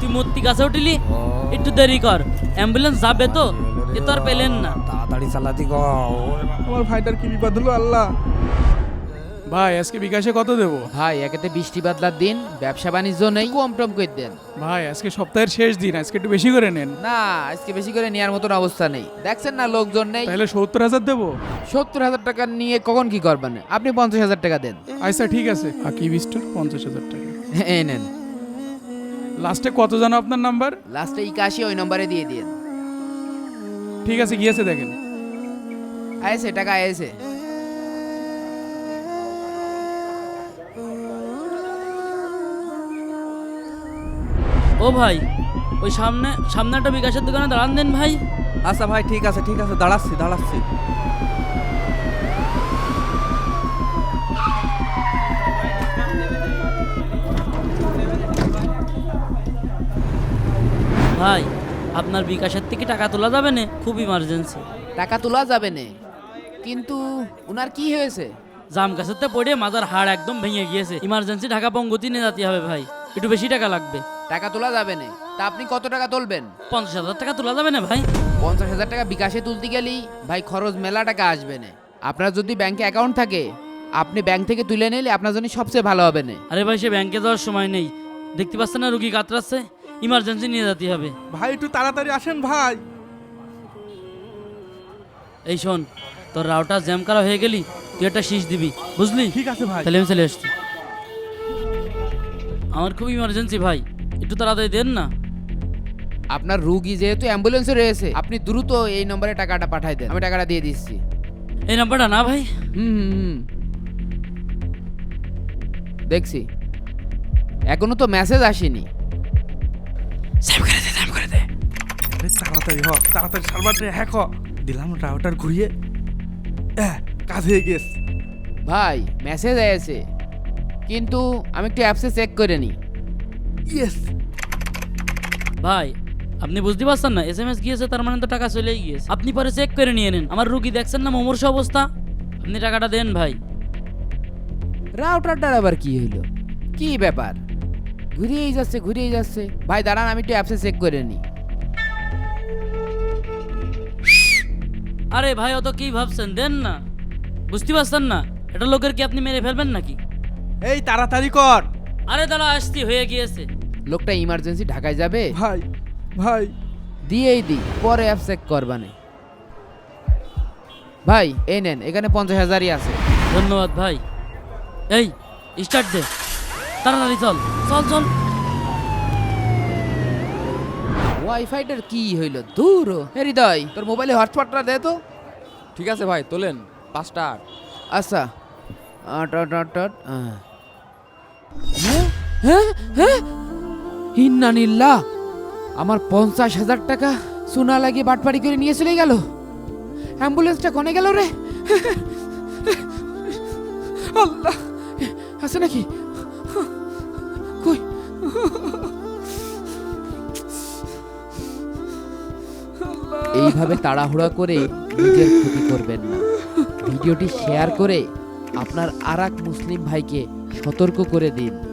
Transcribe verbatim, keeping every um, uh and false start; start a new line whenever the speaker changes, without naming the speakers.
তুই মূর্তি কাছে উঠিলি, একটু দেরি কর, অ্যাম্বুলেন্স যাবে তো, এ তো আর পেলেন না।
তাড়াতাড়ি চালাতি গো।
আমার ভাইটার কি বিপদ হলো আল্লাহ।
ভাই আজকে বিকাশে কত দেবো?
ভাই একেতে বৃষ্টি বাদলার দিন, ব্যবসা বাণিজ্য নেই, কম টম করে দেন।
ভাই আজকে সপ্তাহের শেষ দিন, আজকে একটু বেশি করে নেন।
না আজকে বেশি করে নেওয়ার মতন অবস্থা নেই, দেখছেন না লোকজন নেই।
তাহলে সত্তর হাজার দেবো।
সত্তর হাজার টাকা নিয়ে কখন কি করবেন, আপনি পঞ্চাশ হাজার টাকা দেন।
আচ্ছা ঠিক আছে, আকিব স্টোর পঞ্চাশ হাজার টাকা।
এই নেন।
লাস্টে কত জানো আপনার নাম্বার?
লাস্টে একাশি ওই নম্বরে দিয়ে দিন।
ঠিক আছে গিয়েছে দেখেন।
আয়েছে টাকা আয়েছে।
ও ভাই, ওই সামনে সামনে একটা বিকাশের দোকানে দাঁড়ান দেন ভাই।
আচ্ছা ভাই ঠিক আছে ঠিক আছে, দাঁড়াচ্ছি দাঁড়াচ্ছি।
ভাই আপনার বিকাশের থেকে টাকা তোলা যাবে না, খুব ইমার্জেন্সি।
টাকা তোলা যাবে না, কিন্তু উনার কি হয়েছে?
জাম গাছের তো পড়ে মাজার হাড় একদম ভেঙে গিয়েছে, ইমার্জেন্সি ঢাকা পঙ্গতি নিয়ে যেতে হবে ভাই, একটু বেশি টাকা লাগবে।
টাকা তোলা যাবে না, তা আপনি কত টাকা তুলবেন?
পঞ্চাশ হাজার টাকা তোলা যাবে না ভাই?
পঞ্চাশ হাজার টাকা বিকাশে তুলতে গেলেই ভাই খরচ মেলা টাকা আসবে না। আপনার যদি ব্যাংকে অ্যাকাউন্ট থাকে, আপনি ব্যাংক থেকে তুলে নিলে আপনার জন্য সবচেয়ে ভালো হবে না।
আরে ভাই সে ব্যাংকে যাওয়ার সময় নেই, দেখতে পাচ্ছেন না রুগী কাতরাচ্ছে, ইমার্জেন্সি নিয়ে যেতে হবে।
ভাই একটু তাড়াতাড়ি আসেন ভাই।
এই শোন, তোর রাউটার জ্যাম করা হয়ে গেলি, তুই একটা শীষ দিবি, বুঝলি?
ঠিক আছে ভাই।
তাহলে আমি চলে আসছি। আমার খুব ইমার্জেন্সি ভাই, একটু তাড়াতাড়ি দেন না।
আপনার রুগী যেহেতু অ্যাম্বুলেন্সে রয়েছে, আপনি দ্রুত এই নম্বরে টাকাটা পাঠাই দেন, আমি টাকাটা দিয়ে দিচ্ছি।
এই নাম্বারটা না ভাই?
হুম হুম হুম দেখছি, এখনো তো মেসেজ আসেনি।
সেভ করে দে, সেভ করে দে।
আরে তাড়াতাড়ি হ, তাড়াতাড়ি সার্ভারটা হ্যাক হ। দিলাম রাউটার ঘুরিয়ে, এহ, কাজ হয়ে গেছে।
ভাই মেসেজ এসেছে, কিন্তু আমি একটু অ্যাপসে চেক করে নিই।
ইয়েস।
ভাই আপনি বুঝতে পারছেন না, এস এম এস গিয়েছে তার মানে তো টাকা চলেই গিয়েছে। আপনি পরে চেক করে নিয়ে নেন, আমার রুগী দেখছেন না মুমূর্ষ অবস্থা, আপনি টাকাটা দেন ভাই।
রাউটারটার আবার কি হইলো, কি ব্যাপার? ঘুরিয়েই যাচ্ছে ঘুরিয়েই যাচ্ছে। ভাই দাঁড়ান, আমি একটু অ্যাপসে চেক করে নিই।
আরে ভাই অত কি ভাবছেন, দেন না। বুঝতে পারছেন না, এটা লোকের কি আপনি মেরে ফেলবেন নাকি?
এই তাড়াতাড়ি কর
আরে দাঁড়া, আসছি, হয়ে গিয়েছে।
লোকটা ইমার্জেন্সি ঢাকায় যাবে,
ভাই। ভাই
দিয়েই দিই, পরে অ্যাপ চেক করবানে। ভাই এই নেন, এখানে পঞ্চাশ হাজারই আছে।
ধন্যবাদ ভাই। এই স্টার্ট দে, তাড়াতাড়ি চল চল চল।
ওয়াইফাইটার কি হইলো দূর। হে হৃদয়, তোর মোবাইলে হটস্পটটা দে তো।
ঠিক আছে ভাই, তোলেন পাঁচটা আট।
আচ্ছা আট আট আট আট আহ। হ্যাঁ হ্যাঁ হ্যাঁ ইন্নানিল্লাহ, আমার পঞ্চাশ হাজার টাকা সোনা লাগিয়ে বাটপাড়ি করে নিয়ে চলে গেল। অ্যাম্বুলেন্সটা কোনে গেল রে? আল্লাহ, আছে নাকি? কই? এইভাবে তাড়াহুড়া করে নিজের ক্ষতি করবেন না। ভিডিওটি শেয়ার করে আপনার আরেক মুসলিম ভাইকে সতর্ক করে দিন।